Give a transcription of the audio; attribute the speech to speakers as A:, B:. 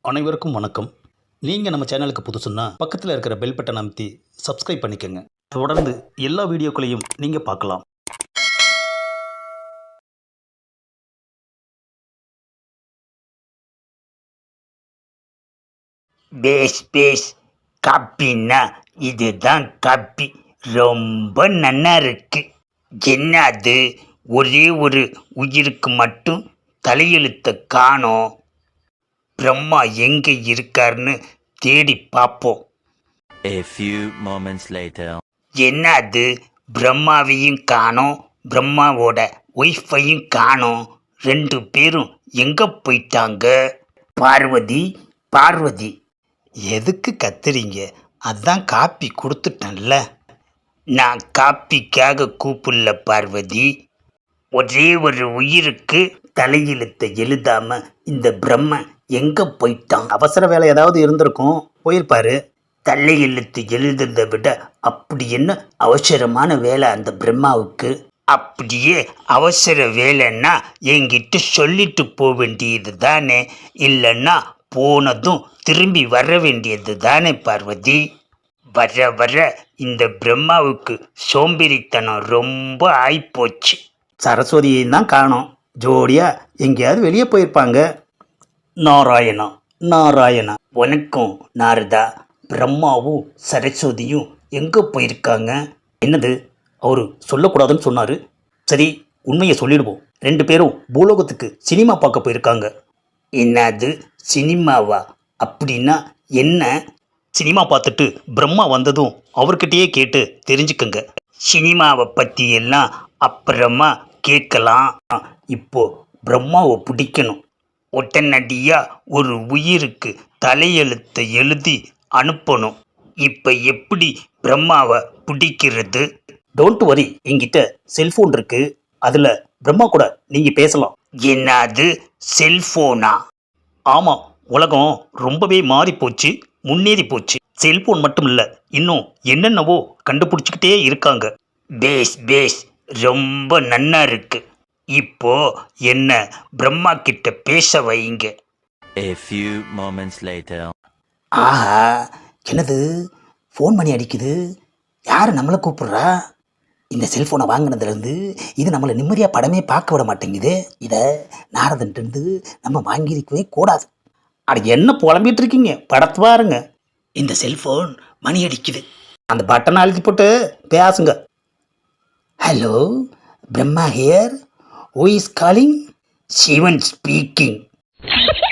A: அனைவருக்கும் வணக்கம். நீங்கள் நம்ம சேனலுக்கு புதுசுன்னா பக்கத்தில் இருக்கிற பெல் பட்டன் அமைத்தி சப்ஸ்கிரைப் பண்ணிக்கோங்க. தொடர்ந்து எல்லா வீடியோக்களையும் நீங்கள் பார்க்கலாம்.
B: பேஸ் பேஸ் காப்பின்னா இதுதான் காப்பி. ரொம்ப நன்னா இருக்கு. என்ன அது, ஒரே ஒரு உயிருக்கு மட்டும் தலையெழுத்த காணோம். பிரம்மா எங்க இருக்காருன்னு தேடி பார்ப்போம்.
C: A few moments later.
B: என்ன அது, பிரம்மாவையும் காணோம், பிரம்மாவோட ஒய்ஃபையும் காணோம். ரெண்டு பேரும் எங்க போயிட்டாங்க? பார்வதி பார்வதி, எதுக்கு கத்துறீங்க? அதான் காப்பி கொடுத்துட்டேன்ல. நான் காப்பிக்காக கூப்பிடல பார்வதி. ஒரே ஒரு உயிருக்கு தலையெழுத்தை எழுதாம இந்த பிரம்ம எங்க போயிட்டான்?
A: அவசர வேலை ஏதாவது இருந்திருக்கும், போயிருப்பாரு.
B: தலையெழுத்து எழுதுறதை விட அப்படி என்ன அவசரமான வேலை அந்த பிரம்மாவுக்கு? அப்படியே அவசர வேலைன்னா என்கிட்ட சொல்லிட்டு போக வேண்டியது தானே, இல்லைன்னா போனதும் திரும்பி வர வேண்டியது தானே பார்வதி. வர வர இந்த பிரம்மாவுக்கு சோம்பேறித்தனம் ரொம்ப ஆயிப்போச்சு.
A: சரஸ்வதியையும் தான் காணோம். ஜோடியாக எங்கேயாவது வெளியே போயிருப்பாங்க. நாராயணா நாராயணா.
B: உனக்கும் நாரதா, பிரம்மாவும் சரஸ்வதியும் எங்கே போயிருக்காங்க?
A: என்னது, அவர் சொல்லக்கூடாதுன்னு சொன்னார். சரி, உண்மையை சொல்லிடுவோம். ரெண்டு பேரும் பூலோகத்துக்கு சினிமா பார்க்க போயிருக்காங்க.
B: என்னது, சினிமாவா? அப்படின்னா என்ன?
A: சினிமா பார்த்துட்டு பிரம்மா வந்ததும் அவர்கிட்டயே கேட்டு தெரிஞ்சுக்கங்க.
B: சினிமாவை பற்றி எல்லாம் அப்புறமா கேட்கலாம். இப்போ பிரம்மாவை பிடிக்கணும். உடனடியாக ஒரு உயிருக்கு தலையெழுத்தை எழுதி அனுப்பணும். இப்போ எப்படி பிரம்மாவை பிடிக்கிறது?
A: டோன்ட் வரி, என்கிட்ட செல்ஃபோன் இருக்கு. அதில் பிரம்மா கூட நீங்கள் பேசலாம்.
B: என்னது, செல்ஃபோனா?
A: ஆமாம், உலகம் ரொம்பவே மாறி போச்சு, முன்னேறி போச்சு. செல்ஃபோன் மட்டும் இல்லை, இன்னும் என்னென்னவோ கண்டுபிடிச்சிக்கிட்டே இருக்காங்க.
B: பேஸ் பேஸ், ரொம்ப நன்னா இருக்கு. இப்போ என்ன பிரம்மா கிட்ட பேச வைங்க.
C: A few moments later.
A: ஆஹா, என்னது, ஃபோன் பண்ணி அடிக்குது. யார் நம்மளை கூப்பிட்றா? இந்த செல்ஃபோனை வாங்கினதுலேருந்து இது நம்மளை நிம்மதியாக படமே பார்க்க விட மாட்டேங்குது. இதை நாரதன்ட்டு நம்ம வாங்கியிருக்கவே கூடாது. அட என்ன புலம்பிகிட்டு இருக்கீங்க, படத்தை பாருங்க. இந்த செல்ஃபோன் மணி அடிக்குது. அந்த பட்டனை அழுத்தி போட்டு பேசுங்க. Hello, Brahma here. Who is calling?
B: Sivan speaking.